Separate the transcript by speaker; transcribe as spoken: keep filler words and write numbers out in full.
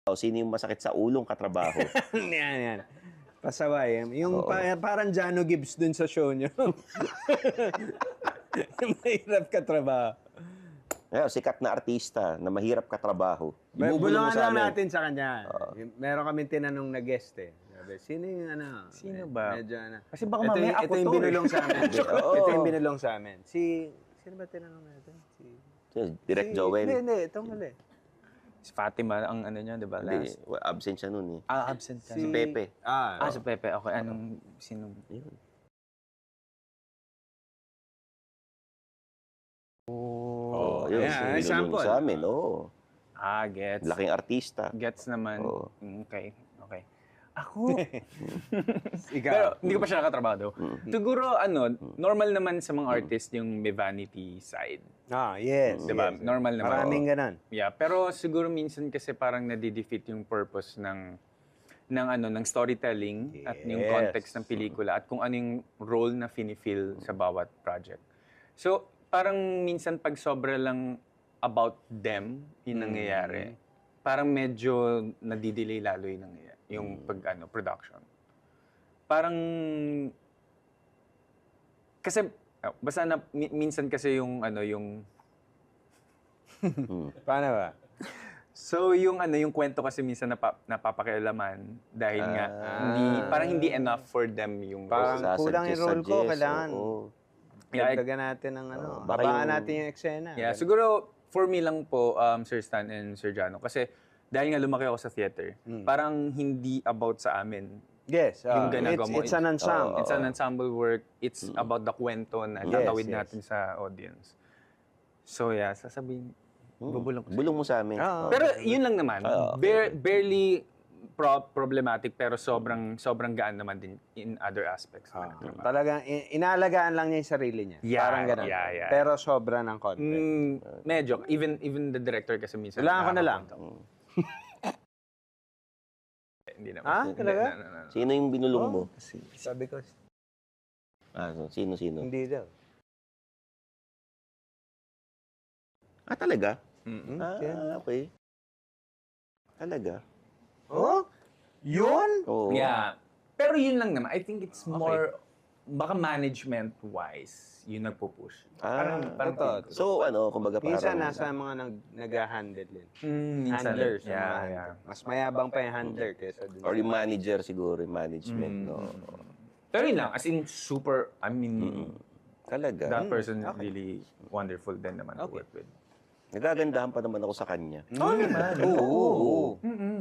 Speaker 1: O, sino yung masakit sa ulong katrabaho?
Speaker 2: Yan, yan. Pasaway. Yung
Speaker 1: Oo.
Speaker 2: pa- parang Jano Gibbs dun sa show nyo. Yung mahirap ka trabaho.
Speaker 1: Ngayon, sikat na artista na mahirap katrabaho.
Speaker 2: May
Speaker 1: Ibubulong mo
Speaker 2: bulungan
Speaker 1: sa
Speaker 2: lang
Speaker 1: amin.
Speaker 2: natin sa kanya. Meron kami tinanong na guest eh. Sabi, sino yung ano?
Speaker 3: Sino
Speaker 2: med-
Speaker 3: ba?
Speaker 2: Medyo ano.
Speaker 3: Kasi baka
Speaker 2: ito,
Speaker 3: mamaya
Speaker 2: yung-
Speaker 3: ako
Speaker 2: ito yung
Speaker 3: to, eh.
Speaker 2: binulong sa amin.
Speaker 1: Oo.
Speaker 2: Ito yung binulong sa amin. Si, sino ba tinanong natin? Si,
Speaker 1: Direct
Speaker 2: si,
Speaker 1: Joel.
Speaker 2: Hindi, hindi. Itong huli.
Speaker 3: Si Fatima, ang ano niya, di ba?
Speaker 1: Hindi,
Speaker 3: Last.
Speaker 1: well, absent siya nun eh.
Speaker 3: Ah, absent ka.
Speaker 1: Si Pepe.
Speaker 2: Ah,
Speaker 3: Ah, si Pepe. Okay, anong, sino?
Speaker 1: Yun.
Speaker 3: Oh,
Speaker 1: Oh, yun.
Speaker 2: yeah,
Speaker 1: si
Speaker 2: sample.
Speaker 1: binulong sa amin, oo.
Speaker 3: Ah, gets.
Speaker 1: Laking artista.
Speaker 3: Gets naman.
Speaker 1: Oo.
Speaker 3: Mm, Okay, okay. Ako?
Speaker 2: ikaw.
Speaker 3: Pero hindi ko pa siya nakatrabaho daw. Siguro, ano, normal naman sa mga artist yung may vanity side.
Speaker 2: Ah, yes.
Speaker 3: Diba?
Speaker 2: yes.
Speaker 3: Normal naman.
Speaker 2: Maraming ganon.
Speaker 3: Yeah, pero siguro minsan kasi parang nadidefeat yung purpose ng ng ano ng storytelling at yung
Speaker 2: Yes.
Speaker 3: context ng pelikula at kung ano yung role na fini-fill sa bawat project. So, parang minsan pag sobra lang about them yung nangyayari, parang medyo nadidelay lalo yung nangyayari, yung pag ano production. Parang kasi oh, basta na mi- minsan kasi yung ano yung
Speaker 2: Paano ba?
Speaker 3: So yung ano yung kwento kasi minsan napa, napapakialaman dahil nga
Speaker 1: Ah.
Speaker 3: hindi parang hindi enough for them yung
Speaker 2: Parang
Speaker 1: Sasuggest,
Speaker 2: kulang yung role ko,
Speaker 1: suggest,
Speaker 2: kailangan.
Speaker 1: oo.
Speaker 3: Yeah, I-
Speaker 2: Dagdagan natin ng ano.
Speaker 1: Oo, baka
Speaker 2: Abangan
Speaker 1: yung-
Speaker 2: natin yung eksena.
Speaker 3: Yeah, siguro for me lang po um, Sir Stan and Sir Jano kasi dahil nga lumaki ako sa theater, parang hindi about sa amin.
Speaker 2: Yes.
Speaker 3: Yung
Speaker 2: ah,
Speaker 3: ginagawa
Speaker 2: it's,
Speaker 3: mo.
Speaker 2: it's an ensemble.
Speaker 3: It's an ensemble work. It's about the kwento na
Speaker 2: Yes,
Speaker 3: tatawid
Speaker 2: yes.
Speaker 3: natin sa audience. So yeah, sasabihin, bubulong ko.
Speaker 1: Bulong mo sa amin.
Speaker 2: Oo.
Speaker 1: Oo.
Speaker 3: Pero yun lang naman,
Speaker 1: Ah, okay.
Speaker 3: bare- barely pro- problematic pero sobrang sobrang gaan naman din in other aspects.
Speaker 2: Ah,
Speaker 3: ng trabaho.
Speaker 2: talagang i- inaalagaan lang niya yung sarili niya.
Speaker 3: Yeah,
Speaker 2: Parang ganun.
Speaker 3: yeah, yeah.
Speaker 2: Pero sobra ng konti.
Speaker 3: Mm, medyo even even the director kasi minsan
Speaker 2: Kailangan ko na lang.
Speaker 3: nakakapunta. Hindi naman.
Speaker 2: Ah,
Speaker 3: Hindi,
Speaker 2: talaga?
Speaker 3: no, no, no, no.
Speaker 1: Sino yung binulong mo?
Speaker 2: Sabi ko,
Speaker 1: Ah, so, sino, sino?
Speaker 2: hindi daw.
Speaker 1: Ah, talaga?
Speaker 3: Mm-mm.
Speaker 1: Ah, okay. Talaga?
Speaker 2: Oh? Yun?
Speaker 1: Oo.
Speaker 3: Yeah. Pero yun lang naman. I think it's more baka management-wise yung nagpo-push.
Speaker 1: Ah,
Speaker 3: parang
Speaker 2: totoo.
Speaker 3: tingin ko.
Speaker 1: So, ano, kumbaga parang...
Speaker 2: Minsan nasa mga nag, nag-handle din.
Speaker 3: Mm, minsan.
Speaker 2: Handlers.
Speaker 3: Yeah,
Speaker 2: mga
Speaker 3: yeah.
Speaker 2: handler. Mas mayabang pa yung handler kaysa dun.
Speaker 1: Or yung manager siguro, yung management, no?
Speaker 3: Pero yun lang, as in super, I mean,
Speaker 1: Talaga?
Speaker 3: that person is really wonderful din naman to work with.
Speaker 1: Nagagandahan pa naman ako sa kanya.
Speaker 3: Oo naman.
Speaker 1: Oo. oo.